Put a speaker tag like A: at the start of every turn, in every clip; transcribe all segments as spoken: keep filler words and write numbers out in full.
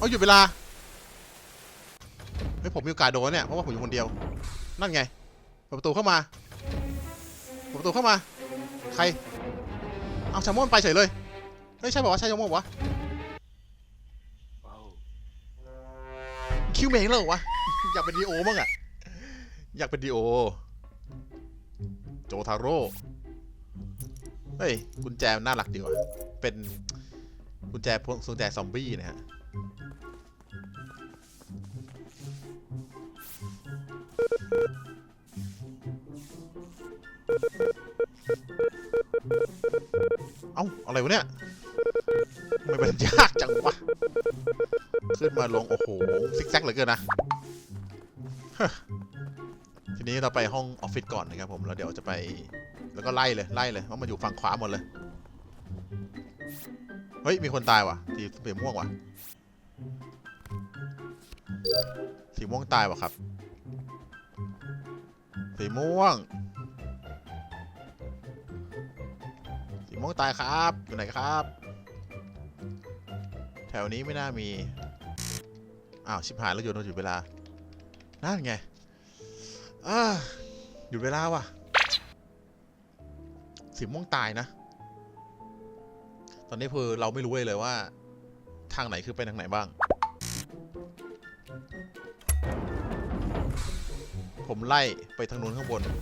A: เอาหยุดเวลาเฮ้ยผมมีโอกาสโดนเนี่ยเพราะว่าผมอยู่คนเดียวนั่นไงเปิดประตูเข้ามาเปิดประตูเข้ามาใครเอาแซลมอนไปเฉยเลยไม่ใช่บอกว่าใช่แซลมอนวะคิวเมงแล้ววะ อยากเป็นดีโอบ้างอะอยากเป็นดีโอโจทาโร่เฮ้ยกุญแจน่ารักดีว่ะเป็นกุญแจพวกกุญแจซอมบี้นะฮะเอ้าอะไรวะเนี่ยทำไมมันยากจังวะขึ้นมาลงโอ้โหซิกแซกเหลือเกินนะทีนี้เราไปห้องออฟฟิศก่อนนะครับผมแล้วเดี๋ยวจะไปแล้วก็ไล่เลยไล่เลยเพราะมันอยู่ฝั่งขวาหมดเลยเฮ้ยมีคนตายว่ะสีสีม่วงว่ะสีม่วงตายว่ะครับสีม่วงสีม่วงตายครับอยู่ไหนครับแถวนี้ไม่น่ามีอ้าวชิบหายแล้วโยนเราหยุดเวลานั่นไงอ่าหยุดเวลาว่ะสีม่วงตายนะตอนนี้คือเราไม่รู้เลยเลยว่าทางไหนคือไปทางไหนบ้างผมไล่ไปทางนู้นข้างบน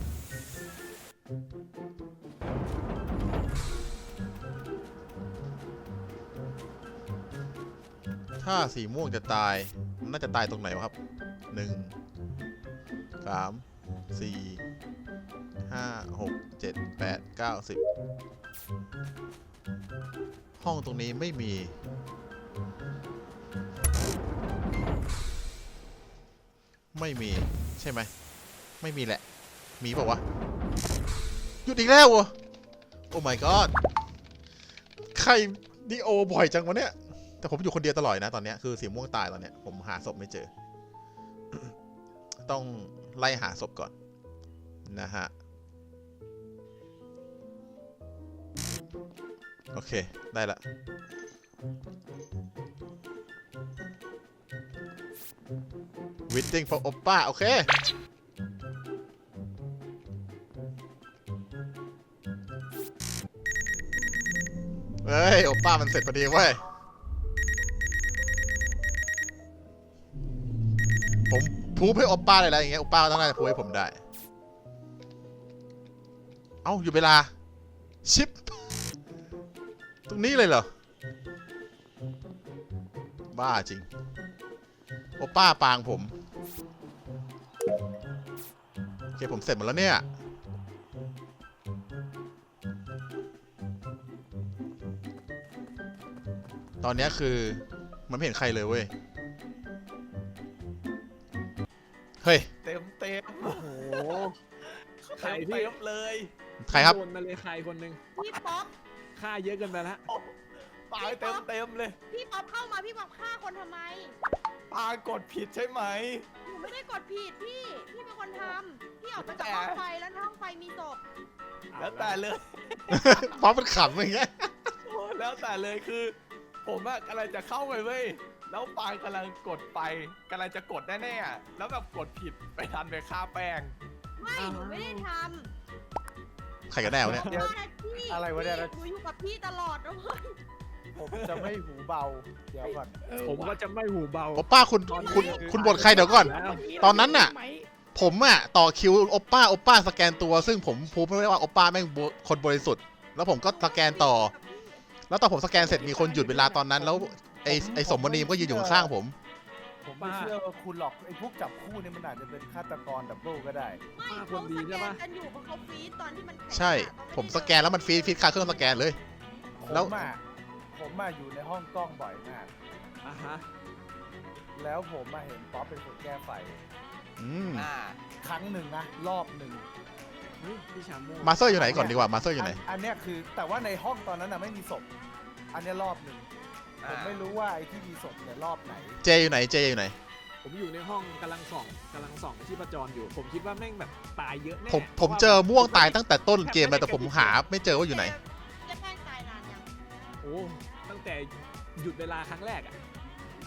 A: ถ้าสีม่วงจะตายน่าจะตายตรงไหนวะครับหนึ่งสามสี่ห้าหกเจ็ดแปดเก้าสิบห้องตรงนี้ไม่มีไม่มีใช่ไหมไม่มีแหละมีเปล่าวะหยุดอีกแล้วเหรอโอ้ my god ใครดีโอบ่อยจังวะเนี่ยแต่ผมอยู่คนเดียวตลอดนะตอนนี้คือสีม่วงตายตอนเนี้ยผมหาศพไม่เจอ ต้องไล่หาศพก่อนนะฮะโอเคได้ละwaiting for oppa โอเคเฮ้ยโอป้ามันเสร็จพอดีเว้ยผมพูดให้โอป้าอะไรอย่างเงี้ยโอป้าต้องน่าจะพูดให้ผมได้เอ้าอยู่เวลาชิปตรงนี้เลยเหรอบ้าจริงโอป้าปางผมโอเคผมเสร็จหมดแล้วเนี่ยตอนนี้คือมันไม่เห็นใครเลยเว้ยเฮ้ย
B: เต็มเต็ม
C: โอ้โหใคร
B: เต็ม
C: พี่
B: เต็มเลย
A: ใครครับ
C: โดนมาเลยใครคนหนึ่ง
D: พี่ป๊อป
C: ฆ่าเยอะเกินไปละ
B: ปาเต็มเต็มเลย
D: พี่ป๊อปเข้ามาพี่ป๊อปฆ่าคนทำไม
B: ปากดผิดใช่ไหม
D: หนูไม่ได้กดผิดพี่ พี่เป็นคนทำพี่ออกมาจากห้องไฟแล้วในห้องไฟมีศพ
B: แล้วแต่เลย
A: ป๊อปมันขำอย่างเงี้ย
B: โอ้แล้วแต่เลยคือ ผมอะกำลังจะเข้าไปเว้ยแล้วปางกำลังกดไปกำลังจะกดแน่ๆอะแล้วแบบกดผิดไปทันไปฆ่าแป้ง
D: ไม่หนูไม่ได้ท
A: ใครกันแน่วะเนี่ย
D: ำ
E: เดี๋ยว
D: ว่าพี่
E: อะไรวะเนี่ย
D: หนูอยู่กับพี่ตลอดนะเว้ย
E: ผมจะไม่หูเบา เดี๋ยวก่อน
C: ผมก็จะไม่หูเบา
A: โอป้าคุณคุณคุณบทใครเดี๋ยวก่อน
C: แล้ว
A: ตอนนั้นน่ะ ผมอะต่อคิวโอป้าโอป้าสแกนตัวซึ่งผมพูดไม่ได้ว่าโอป้าแม่งคนบริสุทธิ์แล้วผมก็สแกนต่อ แล้วตอนผมสแกนเสร็จมีคนหยุดเวลาตอนนั้นแล้วไอไอสมมณีก็ยืนอยู่ข้างๆผม
E: ผมไม่เชื่อว่าคุณหรอกไอ้พวกจับคู่เนี่ยมันอาจจะเป็นฆาตกรดับเบิลก็ได้
D: ไม่
C: ป้าค
D: เขา
C: นดี
D: ส
C: ใช่
D: แก
C: ปะ
D: นกันอยู่เพราะเขาฟีดตอนที่มันแข็ง
A: ใช่
D: อะ
A: ผมสแกนแล้วมันฟีดฟีดคาเครื่องสแกนเลย
E: ผ
A: แล้ว
E: มอ่ะผมมาอยู่ในห้องกล้องบ่อยมาก
C: อ่ะฮะ
E: แล้วผมมาเห็นป๊อปเป็นคนแก้ไฟ
A: อืม
B: อ่า
E: ครั้งหนึ่งนะรอบหนึ่ง
C: เฮ้ยพี่ชาโม่
A: มาสเตอร์อยู่ไหนก่อนดีกว่ามาสเตอร์อยู่ไหน
E: นอันเนี้ยคือแต่ว่าในห้องตอนนั้นน่ะไม่มีศพ อันเนี้ยรอบหนึ่งผมไม่รู้ว่าไอ้ที่มีศพเนี่ยรอบไหน
A: เจอยู่ไหนเจอยู่ไหน
C: ผมอยู่ในห้องกำลังส่องกำลังส่องที่ประจรอยู่ ผมคิดว่าแม่งแบบตายเยอะแน่
A: ผมผมเจอม่วงตายตั้งแต่ต้นเกมเลยแต่ผมหาไม่เจอว่าอยู่ไหน
D: เจ๊แป้งตายนานยัง
C: โอ้ตั้งแต่หยุดเวลาครั้งแรกอ่ะ
D: เอองั้น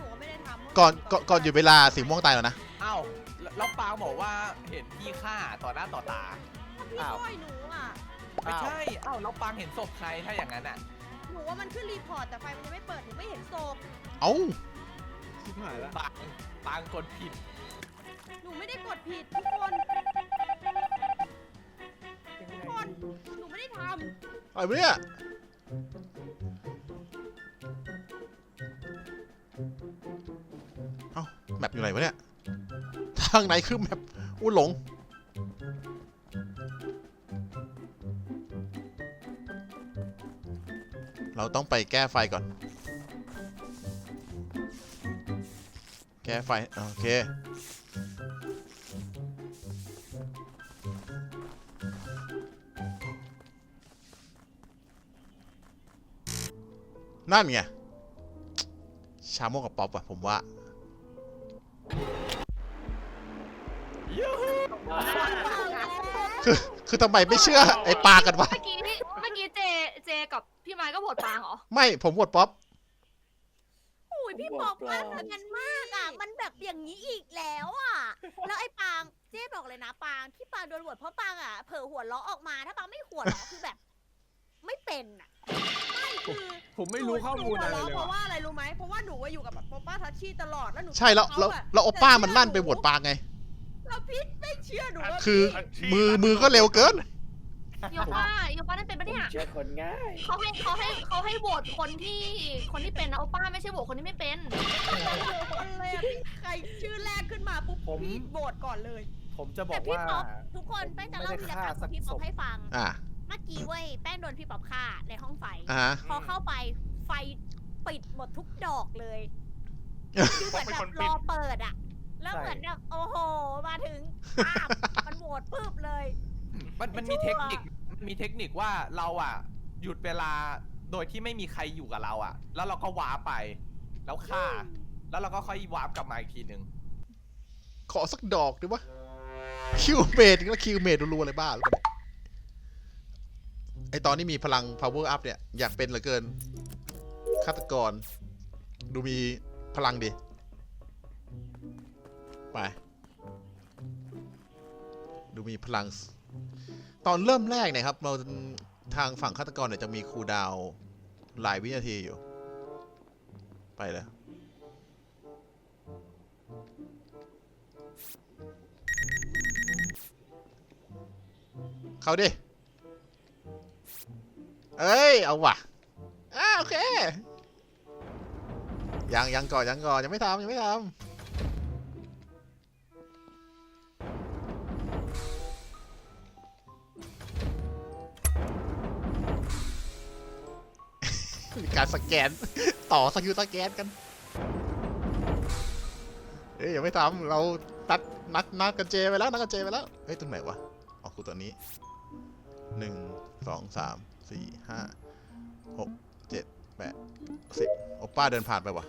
D: นูก็ไม่ได้ทำ
A: ก่อนก่อนก่อนหยุดเวลาสีม่วงตายแล้วนะ
B: เอ้าแล้วปางบอกว่าเห็นพี่ฆ่าต่อหน้าต่อตา
D: พี่
E: อ้าว
D: ช่วยหนูอ่ะ
B: ไม่ใช่ เอ้าแล้วปางเห็นศพใครถ้าอย่างนั้นอ่ะ
D: หนูว่ามันขึ้นรีพอร์ตแต่ไฟมันยังไม่เปิดหนูไม่เห็นศพ
A: เอ้า
C: ชิบหายละ
B: ปางปางกดผิด
D: หนูไม่ได้กดผิดทุกคนทุกคนหนูไม่ได้ท
A: อะไรวะเนี่ยเอ้าแมปอยู่ไหนวะเนี่ยทางไหนคือแมปอู้หลงเราต้องไปแก้ไฟก่อนแก้ไฟโอเคนั่นไงชาโมกับป๊อปอะผมว่า คือคือทำไมไม่เชื่อไอ้ปากันวะ
F: เมื่อกี้เมื่อกี้เจเจกับพี่ไม้ก็โหวตปางเหรอ
A: ไม่ผมโหวตป๊อป
D: ำโอ้ยพี่บอกว่ามันกันมากอ่ะ มันแบบอย่างนี้อีกแล้วอ่ะ แล้วไอ้ปางเจ๊บอกเลยนะปางที่ปางโดนโหวตเพราะปางอ่ะเผลอหัวเราะออกมาถ้าปางไม่หัวเราะคือแบบ ไม่เป็นอ่ะไม่คือ
C: ผมไม่รู้ข้อมูลอะไร
D: หนู
C: เลย
D: หัวเราะเพราะ
C: ว่ะ
D: ว่าอะไรรู้ไหมเพราะว่าหนูอะอยู่กับแบบโปป้าทัชชี่ตลอดแล้วหนู
A: ใช่แล้วแล้วแล้วโอป้ามันลั่นไปโหวตปางไง
D: แล้วพี่ไม่เชื่อหนูว่า
A: คือ
D: พี่
A: มือมือก็เร็วเกิน
F: ยกว่ายกว่านั่นเป็นปะเนี่ย
G: เชื่อคนง่าย
F: เขาให้เขาให้เขาให้โหวตคนที่คนที่เป็นนะโอป้าไม่ใช่โหวตคนที่ไม่เป็น
D: คนเลยอะพี่ใครชื่อแรกขึ้นมาปุ๊บ
E: ผม
D: พี่โหวตก่อนเลย
E: ผมจะบ
D: แต่
E: อก
D: พี่
E: ว่า
D: ป๊อปทุกคนแป้งจะเล่าวีรกรรมของพี่ป๊อปให้ฟัง
A: อ่า
D: เมื่อกี้เว้ยแป้งโดนพี่ป๊อปฆ่าในห้องไฟ
A: อ่าฮะ
D: พอเข้าไปไฟปิดหมดทุกดอกเลยคือเหมือนแบบรอเปิดอะแล้วเหมือนแบบโอ้โหมาถึงอ้ามมันโหวตปึ๊บเลย
B: มันมันมีเทคนิคมันมีเทคนิคว่าเราอ่ะ หยุดเวลาโดยที่ไม่มีใครอยู่กับเราอ่ะ แล้วเราก็วาร์ปไป แล้วฆ่า แล้วเราก็ค่อยวาร์ปกลับมาอีกทีหนึ่ง
A: ขอสักดอกดิวะคิวเมดแล้วคิวเมดรัวๆเลยบ้าหรือเปล่าเนี่ยไอตอนนี้มีพลัง power up เนี่ยอยากเป็นเหลือเกินฆาตกร ดูมีพลังดิไปดูมีพลัง ตอนเริ่มแรกเนี่ยครับเราทางฝั่งฆาตกรเนี่ยจะมีคูลดาวน์หลายวินาทีอยู่ไปเลยเขาดิเอ้ยเอาว่ะอ่าโอเคยังยังก่อนยังก่อนยังไม่ทำยังไม่ทำ มีการสแกน ต่อสกิลสแกนกัน เฮ้ยยังไม่ทำเราตัดนัดนัดกันเจไปแล้วนัดกันเจไปแล้วเฮ้ยตรงไหนวะอ๋อคือตัวนี้หนึ่งสองสามสี่ห้าหกเจ็ดแปดสิบโอป้าเดินผ่านไปวะ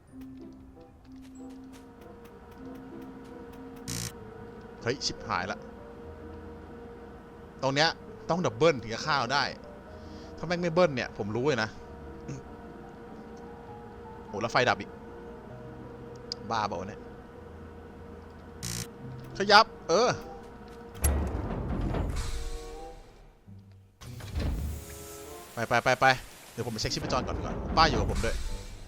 A: เฮ้ยชิบหายละตรงเนี้ยต้องดับเบิลถึงจะฆ่าได้ถ้าแม่งไม่เบิ้ลเนี่ยผมรู้เลยนะโหแล้วไฟดับอีกบ้าเปล่าวะเนี่ยขยับเออไปไปไปไปเดี๋ยวผมไปเช็คชีพจรก่อนดีกว่าป้าอยู่กับผมด้วย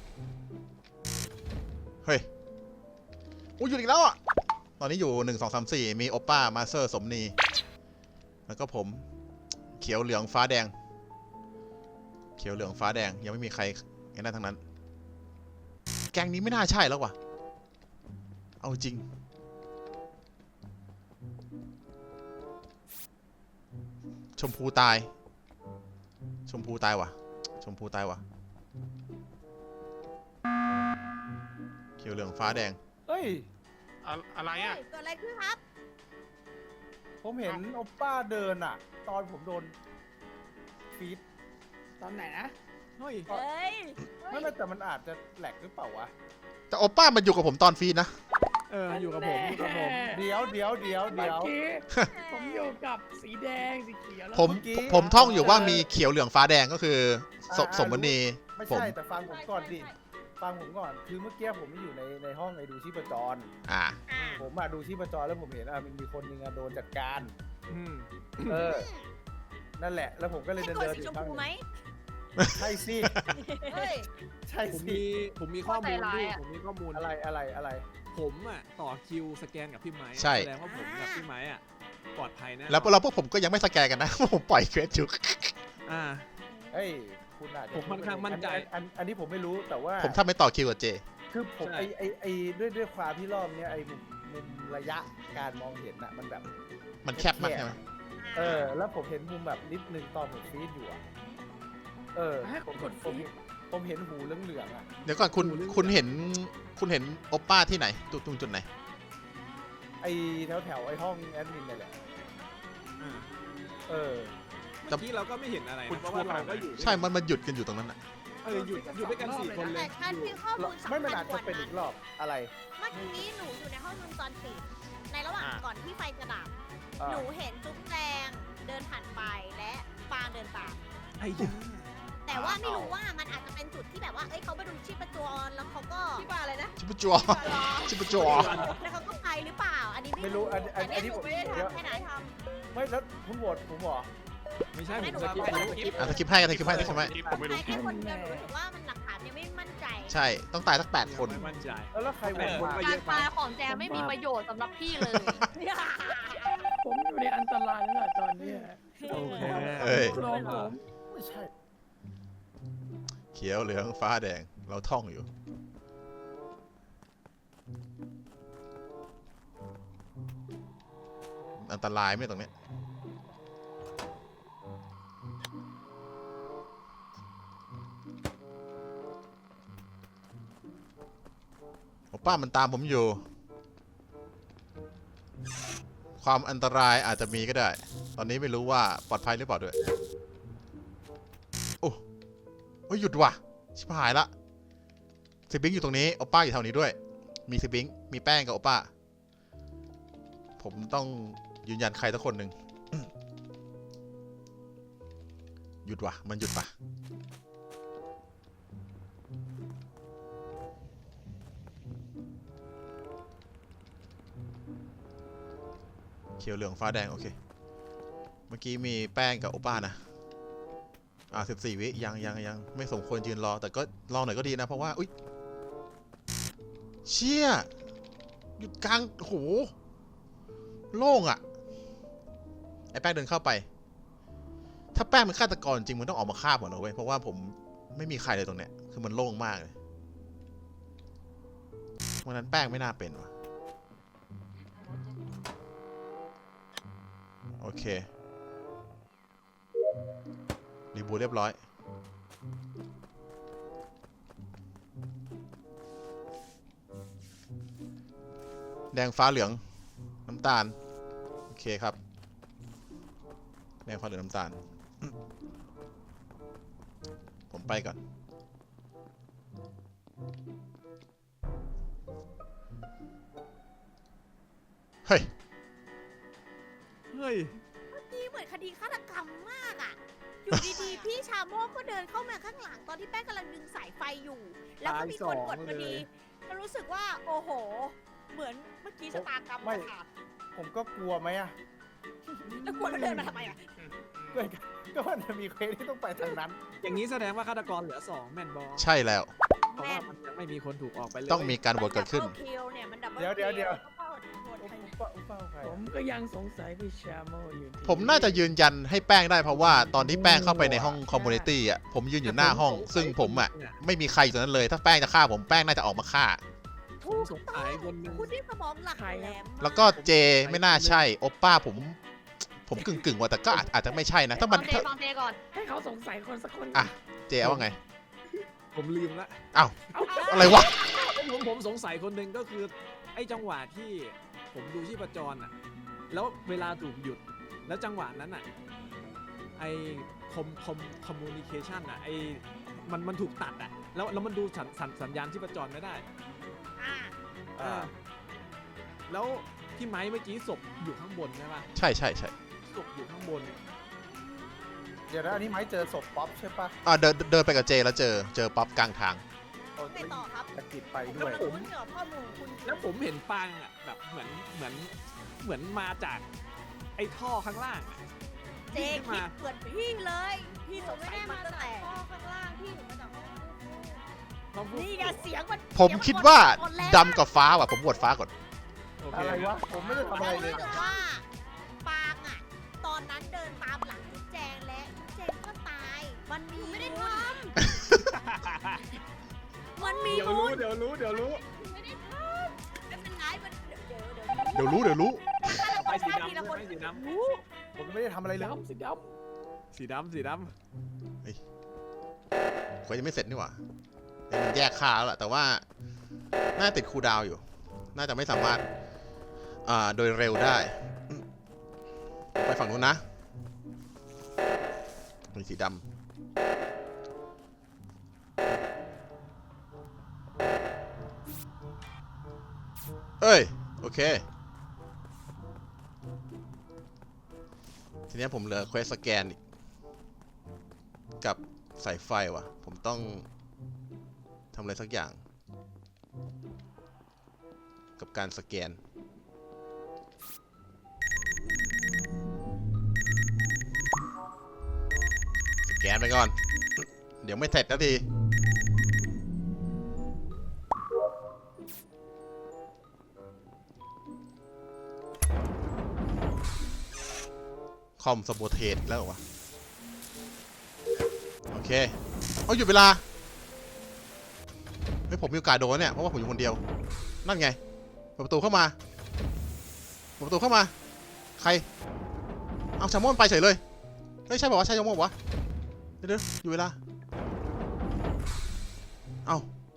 A: เฮ้ยอู้อยู่อีกแล้วอ่ะตอนนี้อยู่หนึ่งสองสามสี่มีโอป้ามาเซอร์สมนีแล้วก็ผมเขียวเหลืองฟ้าแดงเขียวเหลืองฟ้าแดงยังไม่มีใครเห็นได้ทั้งนั้นแกงนี้ไม่น่าใช่แล้วว่ะเอาจริงชมพูตายชมพูตายว่ะชมพูตายว่ะเขียวเหลืองฟ้าแดง
E: เฮ้ย
G: อะอะไรอ่ะ
D: เฮ้ยเกิดอะไรขึ้นครับ
E: ผมเห็นโอป้าเดินอ่ะ ตอนผมโดนฟีด
G: ตอนไหนนะ
C: เฮ้ย
D: เฮ้ย
E: ไม่ไม่แต่มันอาจจะแหลกหรือเปล่าวะ
A: แต่โอป้ามันอยู่กับผมตอนฟีดนะ
C: เอออยู่กับผมอยู่กับผม
E: เดี๋ยวเดี๋ยวเดี๋ยว
G: เมื่
E: เดี๋
G: อ
E: ยว
G: กี้ผมอยู่กับสีแดงสีเขียวแล้ว
A: ผม
E: เมื่อกี้
A: ผมผมท่องอยู่ว่ามีเขียวเหลืองฟ้าแดงก็คือส
E: อ่า
A: สมมณี
E: ไม่
A: ผม
E: ใช่แต่ฟังผมก่อนดิฟังผมก่อนคือเมื่อกี้ผมไม่อยู่ในในห้องไอ้ดูชีพจร
A: อ่า
D: อ่า
E: ผมมาดูชีพจรแล้วผมเห็นอ่ะมันมีคนหนึงอ่ะโดนจัดการ
C: อืม
E: เออ นั่นแหละ แล้วผมก็เลย
D: ใช่
E: เดิน
D: คน
E: เดิน
D: สี
E: อ
D: ช
E: ยู่
D: ม
E: ข้าง
D: พู
E: ห
D: ไหม
E: นึ่งใช่สิ
F: เฮ้ย
E: ใช่
C: ผม
E: สิ
C: มีผมมีข้อมูล
F: เข้าใจร้าย
C: พี่
F: อะ
C: ผมมีข้อมูล
E: อะไรอะไรอะไร
C: ผมอ่ะต่อคิวสแกนกับพี่ไม้
A: ใช่
C: แสดงว่าผมกับพี่ไม้อ่ะปลอดภัยแน่
A: แล้วเราพวกผมก็ยังไม่สแกนกันนะ ผมปล่อยเควสอยู่
C: อ่า
E: เฮ้ยคุณอาจจะ
C: ผมค่อนข้างมั่นใจ
E: อัอันอันนี้ผมไม่รู้แต่ว่า
A: ผมถ้าไม่ต่อคิวกับเจ
E: คือผม
C: ใช่
E: ไอไอไอด้วยด้วยความที่รอบเนี้ยไอมุมมุมระยะการมองเห็นน่ะมันแบบ
A: มันแคบมากใช่ไหม
E: เออ แล้วผมเห็นมุมแบบนิดนึงตอนผมฟีดอยู่อะเออ
G: ฮะ
E: ผม
G: กด
E: ผม
G: ฟีด
E: ผมเห็นหูเหลืองๆอ่ะ
A: เดี๋ยวก่อนคุณคุณเห็นคุณเห็นโอป้าที่ไหนตรงตรงจุดไหน
E: ไอแถวแถวๆไอห้องแอดมินนี่แหละ
C: อ่า
E: เออ
C: เมื่อกี้เราก็ไม่เห็นอะไรนะเพราะว่าเราก็อยู่ด้วย
A: ใช่ มันมันหยุดกันอยู่ตรงนั้นอ่ะ
C: เออหยุดหยุดด้วยกันสี่คนเล
D: แต่
C: ย
D: ฉันมีข้อมูลสำ
E: ไม่มัน
D: คั
E: อา
D: ญ
E: จ
D: ก
E: จะ
D: ว่า
E: เป็น
D: นั้
E: อี
D: น
E: กรอบอะไร
D: เมื่อกี้หนูอยู่ในห้องวงจรปิด ในระหว่าง
A: อ่า
D: ก่อนที่ไฟจะดับ
E: อ่า
D: หนูเห็นจุ๊บแจงเดินผ่านไปและปางเดินตาม
C: ไอ้ยา
D: แต่ว่าไม่รู้ว่ามันอาจจะเป็นจุดที่แบบว่า เอ้ยเขาไปดูชีพจรแล้วเขาก็
F: พี่บาอะไรนะ
A: ชิปจัวชิปจัว
D: แล้วเขาก็ไปหรือเปล่า อันนี้
E: ไม่
D: ไม่
E: รู้
D: รู้
E: อันอัน
D: แต่
E: อันนี้
D: เยห
E: ผม
D: ไม่ได้
E: เดี๋ยว
D: ทำแค่ไหนท
E: ไม่แล้วคุณโหวตผมเหรอ
C: ไม่ใช่
D: ำ
C: ผ
D: ให้
C: ม
D: หนู
C: ส
D: ว่า
C: กิป
D: ไป
C: ไป
D: สกิป
A: อ่ะสกิปให้กันสกิปให้สกิปให้
G: ผมไม่รู้
D: ไอ้คนเดียวหนูรู้สึกว่ามันหลักฐานยังไม่มั่นใจ
A: ใช่ ต้องตายสักแปดคน
C: ไม่มั่นใจ
E: แล้วแล้วใครโหวต
C: เออ
E: มา
F: การตายของแจไม่มีประโยชน์สำหรับพี่เลย
G: ผมอยู่ในอันตรายแล้วล่ะตอนเนี้ย
C: โอเค
A: เอ้ย
G: ลองผม
E: ไม่ใช่
A: เขียวเหลืองฟ้าแดง เราท่องอยู่ อันตรายไหมตรงเนี้ยโอป้ามันตามผมอยู่ ความอันตรายอาจจะมีก็ได้ ตอนนี้ไม่รู้ว่าปลอดภัยหรือเปล่าด้วย โอ้โอ้ยหยุดว่ะ ชิบหายละซิบิงอยู่ตรงนี้ โอป้าอยู่แถวนี้ด้วย มีซิบิง มีแป้งกับโอป้า ผมต้องยืนยันใครสักคนหนึ่ง หยุดว่ะ มันหยุดปะเขียวเหลืองฟ้าแดง โอเค เมื่อกี้มีแป้งกับโอป้านะ อ่าสิบสี่วิยังยังยังไม่สมควรยืนรอ แต่ก็รอหน่อยก็ดีนะ เพราะว่า อุ้ยเชี่ยหยุดกลางโหโล่งอะ่ะ ไอ้แป้งเดินเข้าไป ถ้าแป้งเป็นฆาตกรจริงมันต้องออกมาฆ่าผมนะเว้ย เพราะว่าผมไม่มีใครเลยตรงเนี้ย คือมันโล่งมากเลยวันนั้นแป้งไม่น่าเป็นว่ะ โอเค รีบูทเรียบร้อย แดงฟ้าเหลืองน้ำตาล โอเคครับ แดงฟ้าเหลืองน้ำตาล ผมไปก่อน เฮ้ย
C: เฮ้ย
D: นี่เหมือนคดีฆาตกรรมมากอ่ะ อยู่ดีๆ พี่ชาโมกก็เดินเข้ามาข้างหลังตอนที่แป้งกำลังดึงสายไฟอยู่ แล้วก็มีคนกดพอดีแล้วรู้สึกว่า โอ้โห เหมือนเมื่อกี้ชะตากรรมมาขาด
E: ผมก็กลัวไหมอ่ะ
D: แล้วกลัวแล้วเดินมาทำไมอ่ะ
E: ก็ก็มันจะมีเควสที่ต้องไปทางนั้น
C: อย่างนี้แสดงว่าฆาตกรเหลือสองแมนบอล
A: ใช่แล้ว
C: เพราะว่ามันยังไม่มีคนถูกออกไปเลย
A: ต้องมีการโหวตเกิดขึ้น
D: มั double kill เนี่ยมัน double
E: เดี๋ยวเดี๋ยวเดี๋ยว
D: kill ต้องโหวตใคร
E: อุ๊บปะอุ๊บเป้าใคร
G: ผมก็ยังสงสัยพี่ชาโมอยู่ดี
A: ผมน่าจะยืนยันให้แป้งได้เพราะว่าตอนที่แป้งเข้าไปในห้องคอมมูนิตี้อ่ะ ผมยืนอยู่หน้าห้อง ซึ่งผมอ่ะ ไม่มีใครอยู่ตรงนั้นเลย ถ้าแป้งจะฆ่าผมแป้งน่าจะออกมาฆ่า
C: ผมสงสัยคนหนึง
D: คุณที่สมองหลักแหลมมาก
A: แล้วก็เจไม่น่าใช่ โอป้าผม ผมกึ่งกึ่งๆว่าแต่ก็อาจอาจจะไม่ใช่นะ ถ้า
F: ฟั
A: มัน
F: งเจฟังเจก่อน
G: ให้เขาสงสัยคนสักคน
A: อ่ะ เจว่าไง
C: ผมลืมละ
A: อ้าว อะไรวะ
C: ผมผมสงสัยคนหนึ่งก็คือ ไอ้จังหวะที่ผมดูชีพจรอ่ะ แล้วเวลาถูกหยุด แล้วจังหวะนั้นอ่ะ ไอ้คอมคอมคอมมูนิเคชันอ่ะ ไอ้มันมันถูกตัดอ่ะ แล้วแล้วมันดูสัญสัญสัญญาณชีพจรไม่ได้
D: อ่ะ
E: อ่า
C: แล้วที่ไม้เมื่อกี้ศพอยู่ข้างบนใช่ปะ
A: ใช่ใช่ใช่
C: ศพอยู่ข้างบน
E: เดี๋ยวนะอันนี้ไม้เจอศพป๊อปใช่ปะ
A: อ่าเดินเดินไปกับเจแล้วเจอ เจอป๊อปกลางทาง
E: เ
D: ไปต่อครับ
E: ตะกิดไปด้
D: แล้ว
E: วย
D: ผมเหนือข้อมูลของคุณ
C: แล้วผมเห็นปางอ่ะแบบเหมือนเหมือนเหมือนมาจากไอ้ท่อข้างล่างอะ
D: เจคิดเหมือนพี่เลย พี่สง
F: ไม่
D: สัย
F: ได้
D: มั
F: มาน
D: ตั้ง
F: จาก
D: แต่
F: ห้องข้างล่างพี่หนูมาจากห้อง
C: เขาพูด
D: นี่ไงเสียงมัน
A: ผมคิดว่า
D: ตอนแรก
A: ดำกับฟ้าว่ะ ผมบวชฟ้าก่อน
C: โอเค
E: อะไรวะ ผมไม่ได้ทำอะไรเลย
D: รู้สึกว่าปางอ่ะ ตอนนั้นเดินตามหลังจุ๊บแจงและจุ๊บแจงก็ตาย มันมีไม่ได้ทำมันมี
C: เดี๋ยว
D: มู
C: รู้
D: ล
C: เดี๋ยวรู้เดี๋ยวรู้
D: ไม่ได้ทำไม่เป็นไรมันเดี๋ยวเดี๋ยวเดี๋ยว
A: เดี๋ยวรู้เดี๋ยวรู้
C: ไปสี
D: ทีละ
C: ดำ
D: คน
C: ไปสีด
D: รู้
E: ผมไม่ได้ทำอะไรเลย
G: ดำสีด
C: ำสีดำสีด
A: เควสยังไม่เสร็จนี่หว่าเดี๋ยวมันแยกค่าแล้วล่ะ แต่ว่า น่าติดคูลดาวน์อยู่ น่าจะไม่สามารถ อ่า โดยเร็วได้ ไปฝั่งนู้นนะมีสีดำเอ้ย โอเค ทีนี้ผมเหลือเควสสแกนอีกกับสายไฟว่ะ ผมต้องทำอะไรสักอย่าง กับการสแกน สแกนไปก่อน เดี๋ยวไม่เสร็จนาที คอมสโบเทสแล้วเหรอวะ โอเค เอาหยุดเวลา เฮ้ยผมมีโอกาสโดนเนี่ย เพราะว่าผมอยู่คนเดียว นั่นไง เปิดประตูเข้ามา เปิดประตูเข้ามา ใคร เอาแซลมอนไปเฉยเลย เฮ้ยใช่ป่าวะใช่แซลมอนวะ เดี๋ยวเดี๋ยวอยู่เวลา เอา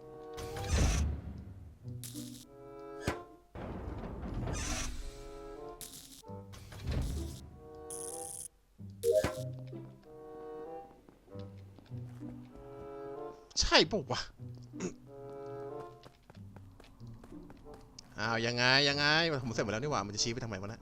A: ใช่ป่าววะ อ้าวยังไงยังไงผมเสร็จหมดแล้วนี่หว่ามันจะชี้ไปทางไหนวะนะ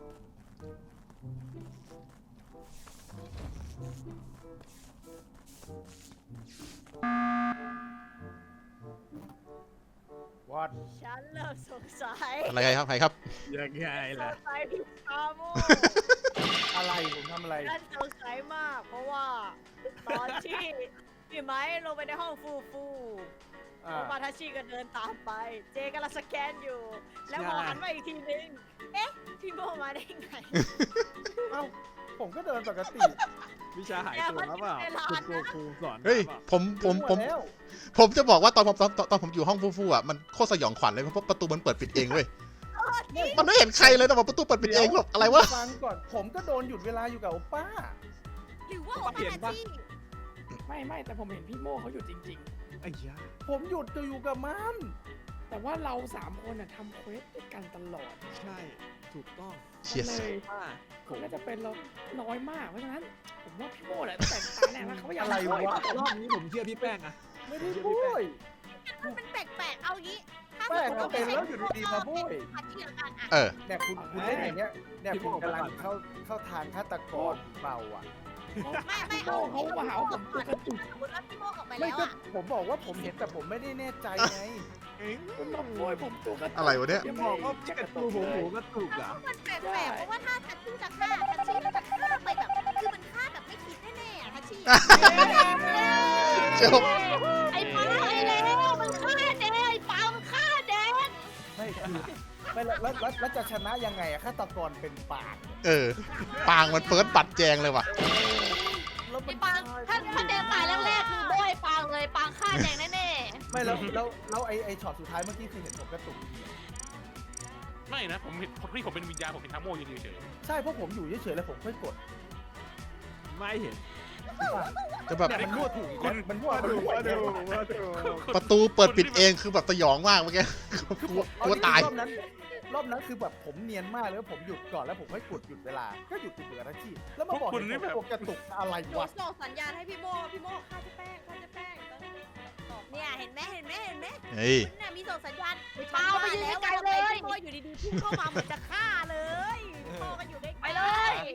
E: วอด
D: ฉันเริ่มสงสัย
A: อะไรครับใครครับ
C: ำยังไง
D: ส
C: ล่ะ
D: งสัยพี่ชาโม
E: อะไรผมทำอะไร
D: ฉันสงสัยมาก เพราะว่า ตอนที่พี่ไม้ลงไปในห้องฟูฟู
E: อ่า
D: โอมาทาชิก็เดินตามไป เจกำลังสแกนอยู่ แล้วพอหันมาอีกทีนึง เอ๊ะ พี่โมมาได้ไง
E: เอ้า ผมก็เดินปกติ
C: วิชาหายตัวแล้วเปล่าคุณโกคูสอน
A: เฮ้ย
C: เปล่า
A: ผมผมผม
E: แล้ว
A: ผมจะบอกว่าตอนผมตอนตอนตอนผมอยู่ห้องฟูๆอ่ะมันโคตรสยองขวัญเลยเพราะประตูมันเปิดปิดเองเว้ย มันไม่เห็นใครเลยแต่ว่าประตูเปิดปิดเองแบบอะไรวะ
E: ฟังก่อน ผมก็โดนหยุดเวลาอยู่กับโอป้า
D: หรือว่าโอมาทาชิ
G: ำไม่ไม่แต่ผมเห็นพี่โมเขาอยู่จริง
C: ไอ้ยา
E: ผมหยุดจะอยู่กับมัน
G: ๆ แต่ว่าเราสามคนน่ะทำเควสด้วยกันตลอด
C: ใช่ถูกต้อง
A: เชียร์
G: เลย
C: ว่า
G: คนน่าจะเป็นเราน้อยมากเพราะฉะนั้น ผมว่าพี่โมแหละตั้งแต่ตาแรกแล้วเขาอยาก
E: อะไรวะ
C: รอบนี้ผมเชื่อพี่แป้งอะ
E: ไม่ได้พูด
D: มันแปลกๆ เอางี้ ถ้า
E: แปลก
D: สมม
E: ก็
D: ติ
E: เป็นแล้วอยู่ดีๆมาพูด
D: ทาชิละกันอ่ะ
A: เออ
E: เนี่ยคุณคุณเล่นอย่างเงี้ย เนี่ยคุณกำลังเข้าเข้าทางฆาตกรเบาอ่ะ
D: ไม่ไม่
G: พี่โม
D: เอา
G: เขามาหาว่าผมตัวกระตุก
D: สมมติว่าพี่โมออกไป
E: ไม่
D: แล้ว
E: ก็
D: อ่ะ
E: ผมบอกว่าผมเห็นแต่ผมไม่ได้แน่ใจไง
G: คุณมาโวยผมตัวกระตุก
A: อะไรวะเนี่ย
C: อย่าบอกว่าพี่กระตูผมหูกระตุก
D: แล้
C: อ่ะ
D: วมันแปลกๆ เพราะว่าถ้าทัชชี่จะฆ่าทัชชี่ก็จะฆ่าไปแบบ คือมันฆ่าแบบไม่คิดแน่ๆอะทัชชี่
A: เจ้า
F: ไอ้ป้าไอ้แล้วมันฆ่าแดงไอ้ป้ามันฆ่าแดง
E: ไม่คือไม่แล้วแล้วแล้วแล้วจะชนะยังไงอะฆาตกรเป็นปากเนี่ย
A: เออ ปางมันเฟิร์สบัตรแจงเลยว่ะ
E: แล้วมั
F: ไอ้
E: น
F: ปางถ้าถ้าแดงตายแรกๆคือโบยปางเลยปางฆ่าแดงแน่
E: ไม่แล้วแล้วแล้วไอไอช็อตสุดท้ายเมื่อกี้คือเห็นผมกระตุก
H: ไม่นะ ผมเห็นพี่ผมเป็นวิญญาณผมเป็นทัมโมยืนอยู่เฉย
E: ใช่เพราะผมอยู่เฉยๆแล้วผมค่อยกด
C: ไม่เห็น
A: จะแบบ
E: เนี่ยมันมั่วถูกมันมันมั่วมันมั่ว
C: มาดูมาดู
A: ประตูเปิดปิดเองคือแบบสยองมากเมื่อกี้กลัวกลัวตาย
E: รอบนั้นรอบนั้นคือแบบผมเนียนมากเลยว่าผมหยุดก่อนแล้วผมค่อยกดหยุดเวลาก็หยุดติดเหลือนาทีแล้วมาบอกเนี่ยผมกระตุกอะไร
D: หนู
E: วะ
D: ส่งสัญญาณให้พี่โมพี่โมฆ่าเจ๊แป้งฆ่าเจ๊แป้งเนี่ยเห็นไหมเห็นไหมเห็นไหม
A: เฮ้ย
D: คุณน่ะมีส่งสัญญาณ
F: ๆปางไปยืนไกลๆเลย
D: พี่โมอยู่ดีๆพุ่งเข้ามาเหมือนจะฆ่าเลยพี่โมก็อยู่ใกล้ๆ
F: ไปเลย